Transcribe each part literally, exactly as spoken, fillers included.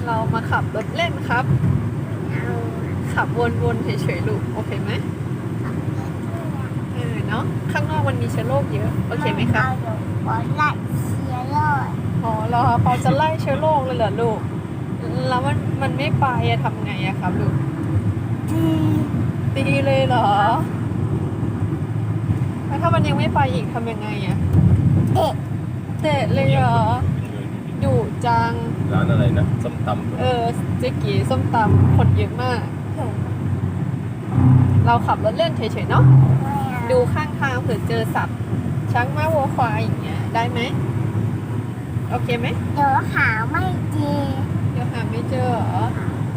เรามาขับรถเล่นครับเอาขับวนๆเฉยๆลูกโอเคไหมขับรถเนี่ยเออเนาะข้างนอกมันมีเชื้อโรคเยอะโอเคไหมครับเอาอยู่บนไล่เชียร์เลยอ๋อเหรอปอจะไล่เชื้อโรคเลยเหรอลูกแล้วมันมันไม่ไปอะทำไงอะครับลูกดีตีเลยเหรอแล้วถ้ามันยังไม่ไปอีกทำยังไงอะเด็กเตะเลยเหรอดุจังร้านอะไรนะส้มตำเออเจ๊กีส้มตำคนเยอะมาก เราขับรถเล่นเฉยๆเนาะไม่เอาดูข้างทางเผื่อเจอสัตว์ช้างม้าวัวควายอย่างเงี้ยได้ไหมโอเคไหมเดี๋ยวหาไม่ดีเดี๋ยวหาไม่เจอเหรอ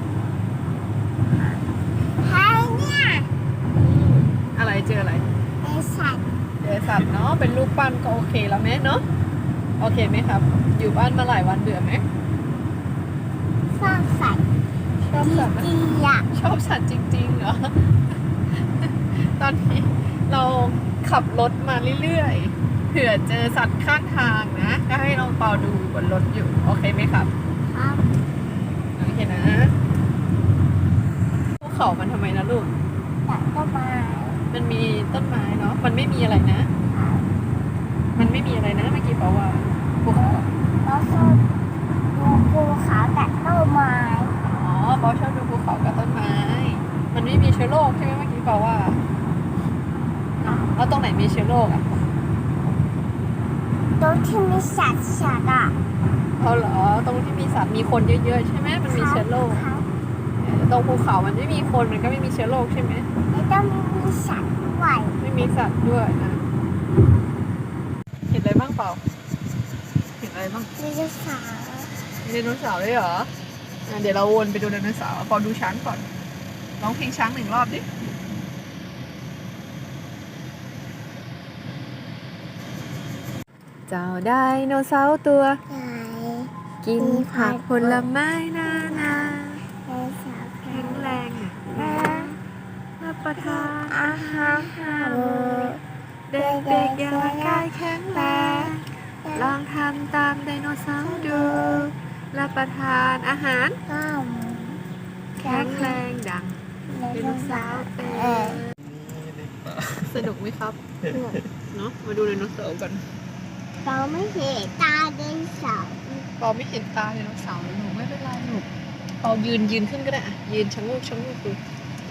ให้เนี่ยอะไรเจออะไรเป็นสัตว์เจอสัตว์เนาะเป็นรูปปั้นก็โอเคแล้วไหมเนาะโอเคไหมครับ อยู่บ้านมาหลายวันเบื่อไหมสร้างสัตว์ชอบสัตว์ไหมดีๆอ่ะชอบสัตว์จริงๆเหรอ ตอนนี้เราขับรถมาเรื่อยๆเผื่อเจอสัตว์ข้างทางนะก็ให้น้องเปาดูบนรถอยู่โอเคไหมครับครับโอเคนะภูเขามันทำไมนะลูกตัดต้นไม้มันมีต้นไม้เนาะมันไม่มีอะไรนะ มันไม่มีอะไรนะเมื่อกี้บอกว่าภูเขาแล้วก็ดูภูเขาตัดต้นไม้อ๋อเปาชอบดูภูเขากับต้นไม้ มันไม่มีเชื้อโรคใช่ไหมเมื่อกี้เปาว่าเนาะแล้วตรงไหนมีเชื้อโรคอ่ะตรงที่มีสัตว์สัตว์อ่ะเอาเหรอตรงที่มีสัตว์มีคนเยอะๆใช่ไหมมันมีเชื้อโรคครับเออตรงภูเขามันไม่มีคนมันก็ไม่มีเชื้อโรคใช่ไหมแล้วต้องมีสัตว์ด้วยไม่มีสัตว์ด้วยนะเห็นอะไรบ้างเปล่าเห็นอะไรบ้างไดโนเสาร์ไดโนเสาร์ด้วยเหรออ่ะเดี๋ยวเราวนไปดูไดโนเสาร์พอดูช้างก่อนร้องเพลงช้างหนึ่งรอบดิเจ้าไดโนเสาร์ตัวใหญ่กินผักผลไม้นานาไดโนเสาร์แข็งแรงอ่ะนะรับประทานอาหารหาโเด็กๆอย่างร่างกายแข็งแรงลองทำตามไดโนเสาร์ดูรับประทานอาหารข้าวแข็งแรงดังไดไดโนโนเสาเสาร์ร์เป็เออนสนุกไหมครับเนาะมาดูไดโนเสาร์กันเราไม่เห็นตาไดโนเสาร์ปอไม่เห็นตาไดโนเสาร์หนูไม่เป็นไรหนูปอยืนยืนขึ้นก็ได้อะยืนชะโงกชะโงกดู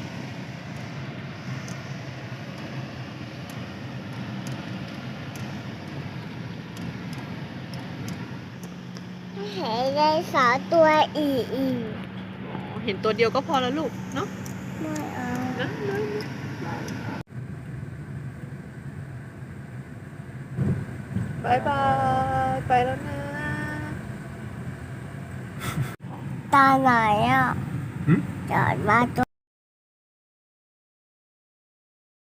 ไม่เห็นไดโนเสาร์ตัวอีอีกอ๋อเห็นตัวเดียวก็พอแล้วลูกเนาะไม่เอานะนะบายบายไปแล้วนะตาไหนอ่ะหึจอดมาตัว